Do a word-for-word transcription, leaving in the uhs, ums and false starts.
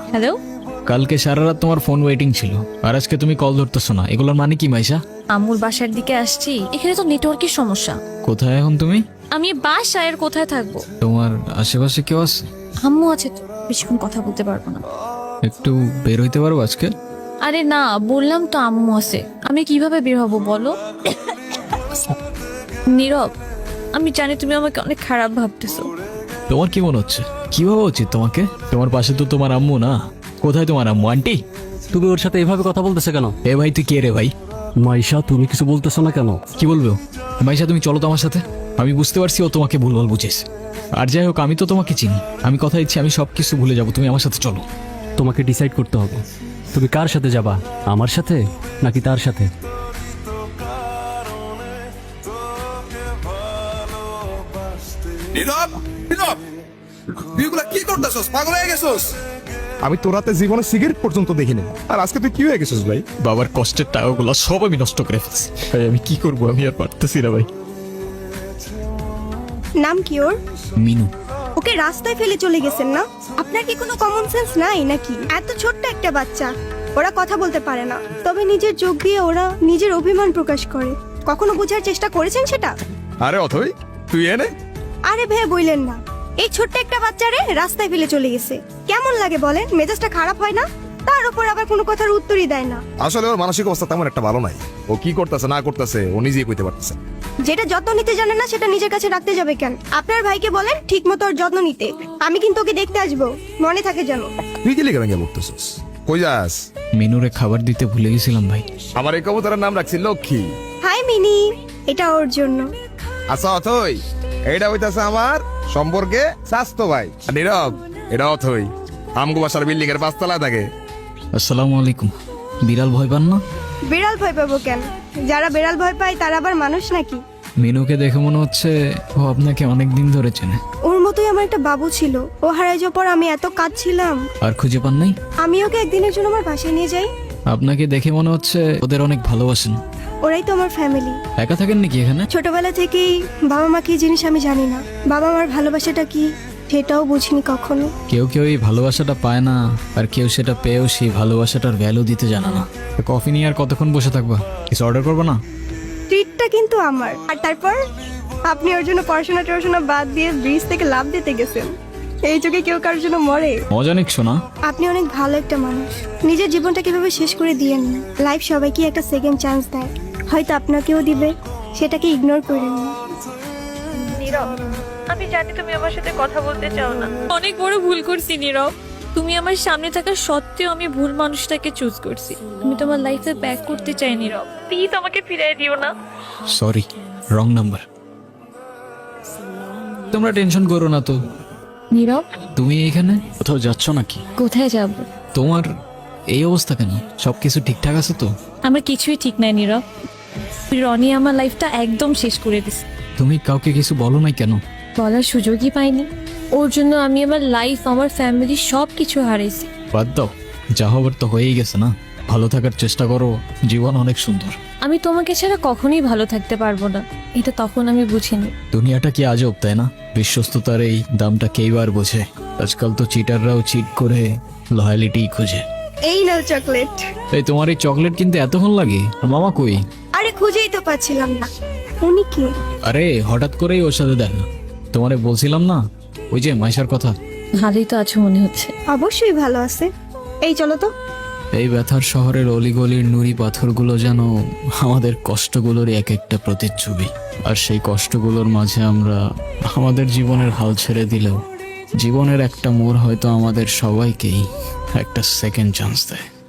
Hello. কালকে সারা রাত তোমার ফোন ওয়েটিং ছিল, আর আজকে তুমি কল ধরতেছো না, এগুলোর মানে কি মাইশা? আম্মুর বাসার দিকে আসছি, এখানে তো নেটওয়ার্কের সমস্যা। কোথায় এখন তুমি? আমি বাসায়, আর কোথায় থাকবো? তোমার আশেপাশে কেউ আছে? আম্মু আছে তো, বেশিক্ষণ কথা বলতে পারবো না। একটু বের হইতে পারবো আজকে? আরে না, বললাম তো আম্মু আছে, আমি কিভাবে বের হবো বলো? নীরব, আমি জানি তুমি আমাকে অনেক খারাপ ভাবতেছো। তোমার কি মনে হচ্ছে? কি ভাবা উচিত তোমাকে? তোমার পাশে তো তোমার আম্মু না। কোথায় তোমার আম্মু? আন্টি, তুমি ওর সাথে এভাবে কথা বলতেছে কেন? এ ভাই তুই কে রে ভাই? মাইশা, তুমি কিছু বলতেছো না কেন? কি বলবো? মাইশা তুমি চলো তো আমার সাথে। আমি বুঝতে পারছি ও তোমাকে ভুলভাল বুঝেছ। আর যাই হোক, আমি তো তোমাকে চিনি। আমি কথা দিচ্ছি আমি সব কিছু ভুলে যাবো, তুমি আমার সাথে চলো। তোমাকে ডিসাইড করতে হবে, তুমি কার সাথে যাবা, আমার সাথে নাকি তার সাথে? নীরব, নীরব, তুই এগুলা কি করতেছস? পাগল হয়ে গেছস? আমি তোর হাতে জীবনে সিগারেট পর্যন্ত দেখিনি, আর আজকে তুই কি হয়ে গেছিস ভাই? বাবার কষ্টের টাকাগুলো সব আমি নষ্ট করে ফেলছি ভাই। আমি কি করবো? আমি আর পারতেছি না ভাই। নাম কি ওর? মিনু। ওকে রাস্তায় ফেলে চলে গেছেন না? আপনার কি কোনো কমন সেন্স নাই নাকি? এত ছোট্ট একটা বাচ্চা, ওরা কথা বলতে পারে না, তবে নিজের চোখ দিয়ে ওরা নিজের অভিমান প্রকাশ করে। কখনো বোঝার চেষ্টা করেছেন সেটা? আরে অথই, তুই এনে আরে ভে বইলেন না, এই ছোট্ট একটা বাচ্চারে রাস্তায় ফেলে চলে গেছে। কেমন লাগে বলেন? মেজাজটা খারাপ হয় না? তার উপর আবার কোনো কথার উত্তরই দেয় না। আসলে ওর মানসিক অবস্থা তেমন একটা ভালো নাই। ও কি করতেছে না করতেছে ও নিজেই কইতে পারতেছে। যেটা যত্ন নিতে জানে না সেটা নিজের কাছে রাখতে যাবে কেন? আপনার ভাইকে বলেন ঠিক মতো ওর যত্ন নিতে। আমি কিন্তু ওকে দেখতে আসবো, মনে থাকে যেন। তুই কি লিখে ভেঙে বলতেছিস? কই যাস? মিনুরে খাবার দিতে ভুলে গেছিলাম ভাই। আমার এই কবুতরের নাম রাখছি লক্ষ্মী। হাই মিনি, এটা ওর জন্য। আচ্ছা অথই, এইটা হইতাছে আমার সম্পর্কে স্বাস্থ্য ভাই। আর নীরব, এটা অথই আমগো বাসার বিল্ডিং এর পাঁচতলায় থাকে। আসসালামু আলাইকুম। বিড়াল ভয় পান না? বিড়াল ভয় পাবো কেন? যারা বিড়াল ভয় পায় তারা আবার মানুষ নাকি? মিনুকে দেখে মনে হচ্ছে ও আপনাকে অনেক দিন ধরে চেনে। ওর মতোই আমার একটা বাবু ছিল, ও হারাই যাওয়ার পর আমি এত কাঁদছিলাম। আর খুঁজে পান নাই? আমি ওকে একদিনের জন্য আমার বাসায় নিয়ে যাই। আপনাকে দেখে মনে হচ্ছে ওদের অনেক ভালোবাসেন। ওরাই তো আমার ফ্যামিলি। একা থাকেন নাকি এখানে? ছোটবেলা থেকেই বাবা মা কি জিনিস আমি জানি না, বাবা মার ভালোবাসাটা কি সেটাও বুঝিনি কখনো। কেউ কেউ এই ভালোবাসাটা পায় না, আর কেউ সেটা পেয়েও সেই ভালোবাসাটার ভ্যালু দিতে জানে না। তো কফি নিয়ে আর কতক্ষণ বসে থাকবা? কিছু অর্ডার করবো না? ট্রিটটা কিন্তু আমার। আর তারপর আপনি ওর জন্য পড়াশোনা টড়াশোনা বাদ দিয়ে ব্রিজ থেকে লাভ দিতে গেছেন। এই যুগে কেউ কারোর জন্য মরে? মজা নিচ্ছো না? আপনি অনেক ভালো একটা মানুষ। নিজের জীবনটা কিভাবে শেষ করে দিয়েন না। লাইফ সবাইকে একটা সেকেন্ড চান্স দেয়, হয়তো আপনাকেও দিবে, সেটাকে ইগনোর করেন না। আমি জানি তুমি আমার সাথে কথা বলতে চাও না, অনেক বড় ভুল করছি নীরব। তুমি আমার সামনে থাকা সত্ত্বেও আমি ভুল মানুষটাকে চুজ করছি। আমি তোমার লাইফে ব্যাক করতে চাই নীরব, প্লিজ আমাকে ফিরিয়ে দিও না। Sorry, wrong number. তোমরা টেনশন করো না তো। নীরব, তুমি এখানে কোথাও যাচ্ছ নাকি? কোথায় যাব? তোমার এই অবস্থা কেন? সবকিছু ঠিকঠাক আছে তো? আমার কিছুই ঠিক নাই নীরব। রনি আমার লাইফটা একদম শেষ করে দিছে। তুমি কাউকে কিছু বলো নাই কেন? বলার সুযোগই পাইনি। ওর জন্য আমি আমার লাইফ, আমার ফ্যামিলি সব কিছু হারাইছি। বাদ দাও, যা হবার তো হয়েই গেছে না। ভালো থাকার চেষ্টা করো, জীবন অনেক সুন্দর। আমি তোমাকে ছাড়া কখনোই ভালো থাকতে পারবো না, এটা তখন আমি বুঝিনি। দুনিয়াটা কি আজব, তাই না? বিশ্বস্ততার এই দামটা কেইবার বোঝে? আজকাল তো চিটাররাও চিট করে লয়ালিটি খুঁজে। এই নাও চকলেট। এই তোমার এই চকলেট কিনতে এতক্ষণ লাগে? আর মামা কই? আরে খুঁজেই তো পাচ্ছিলাম না। উনি কে? আরে হঠাৎ করেই ওর সাথে দেখা। তোমারে বলছিলাম না ওই যে মাইশার কথা। ভালোই তো আছো মনে হচ্ছে। অবশ্যই ভালো আছে। এই চলো তো। এই ব্যথার শহরের অলিগলির নুড়ি পাথরগুলো যেন আমাদের কষ্টগুলোর এক একটা প্রতিচ্ছবি। আর সেই কষ্টগুলোর মাঝে আমরা আমাদের জীবনের হাল ছেড়ে দিলেও জীবনের একটা মোড় হয়তো আমাদের সবাইকেই একটা সেকেন্ড চান্স দেয়।